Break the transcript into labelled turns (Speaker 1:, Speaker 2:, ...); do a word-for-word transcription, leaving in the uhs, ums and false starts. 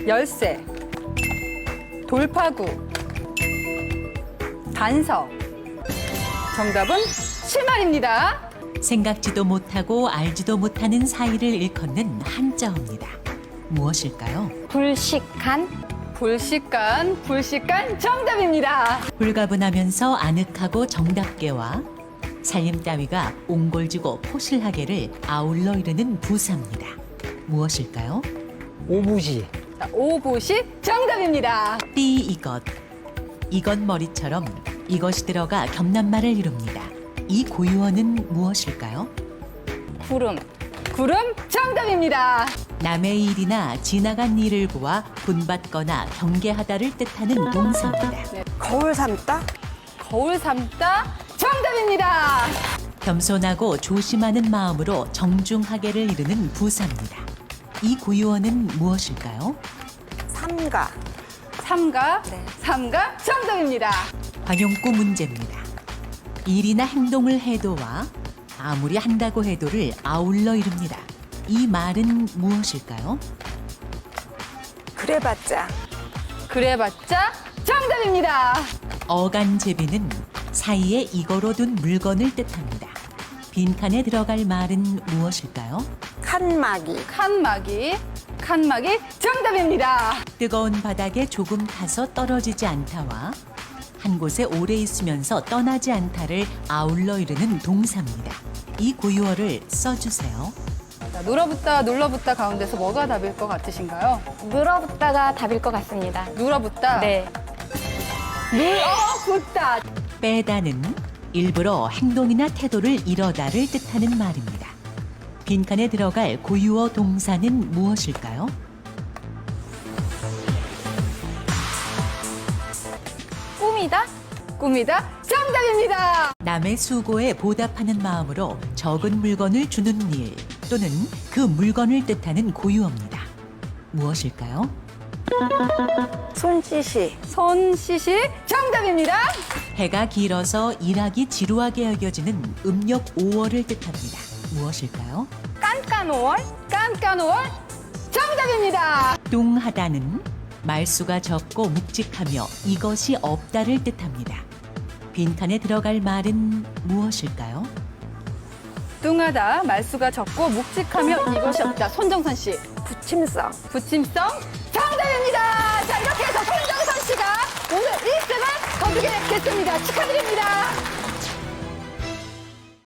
Speaker 1: 열쇠, 돌파구, 단서. 정답은 실말입니다.
Speaker 2: 생각지도 못하고 알지도 못하는 사이를 일컫는 한자어입니다. 무엇일까요?
Speaker 3: 불식한,
Speaker 1: 불식간, 불식간 정답입니다.
Speaker 2: 홀가분하면서 아늑하고 정답게와 살림 따위가 옹골지고 포실하게를 아울러 이르는 부사입니다. 무엇일까요?
Speaker 4: 오부지.
Speaker 1: 자, 오보식 정답입니다.
Speaker 2: 띠 이것. 이것 머리처럼 이것이 들어가 겹난말을 이룹니다. 이 고유어는 무엇일까요?
Speaker 3: 구름,
Speaker 1: 구름 정답입니다.
Speaker 2: 남의 일이나 지나간 일을 보아 분받거나 경계하다를 뜻하는 동사입니다.
Speaker 5: 거울 삼다?
Speaker 1: 거울 삼다 정답입니다.
Speaker 2: 겸손하고 조심하는 마음으로 정중하게를 이루는 부사입니다. 이 고유어는 무엇일까요?
Speaker 5: 삼가.
Speaker 1: 삼가,
Speaker 5: 네.
Speaker 1: 삼가 정답입니다.
Speaker 2: 관용구 문제입니다. 일이나 행동을 해도와 아무리 한다고 해도를 아울러 이룹니다. 이 말은 무엇일까요?
Speaker 5: 그래봤자.
Speaker 1: 그래봤자 정답입니다.
Speaker 2: 어간제비는 사이에 이거로 둔 물건을 뜻합니다. 빈칸에 들어갈 말은 무엇일까요?
Speaker 5: 칸막이.
Speaker 1: 칸막이, 칸막이 정답입니다.
Speaker 2: 뜨거운 바닥에 조금 타서 떨어지지 않다와 한 곳에 오래 있으면서 떠나지 않다를 아울러 이르는 동사입니다. 이 고유어를 써주세요.
Speaker 1: 자, 눌어붙다, 눌러붙다 가운데서 뭐가 답일 것 같으신가요?
Speaker 3: 늘어붙다가 답일 것 같습니다.
Speaker 1: 눌어붙다,
Speaker 3: 네.
Speaker 1: 눌어붙다.
Speaker 2: 빼다는 일부러 행동이나 태도를 이러다를 뜻하는 말입니다. 빈칸에 들어갈 고유어 동사는 무엇일까요?
Speaker 3: 꿈이다,
Speaker 1: 꿈이다 정답입니다.
Speaker 2: 남의 수고에 보답하는 마음으로 적은 물건을 주는 일 또는 그 물건을 뜻하는 고유어입니다. 무엇일까요?
Speaker 5: 손짓이.
Speaker 1: 손시시 정답입니다.
Speaker 2: 해가 길어서 일하기 지루하게 여겨지는 음력 오월을 뜻합니다. 무엇일까요?
Speaker 3: 깐깐오월,
Speaker 1: 깐깐오월 정답입니다.
Speaker 2: 뚱하다는 말수가 적고 묵직하며 이것이 없다를 뜻합니다. 빈칸에 들어갈 말은 무엇일까요?
Speaker 1: 뚱하다, 말수가 적고 묵직하며 이것이 없다. 손정선 씨,
Speaker 5: 부침성.
Speaker 1: 부침성 정답입니다. 자, 이렇게 해서 손정선 씨가 오늘 일 등을 거두게 됐습니다. 축하드립니다.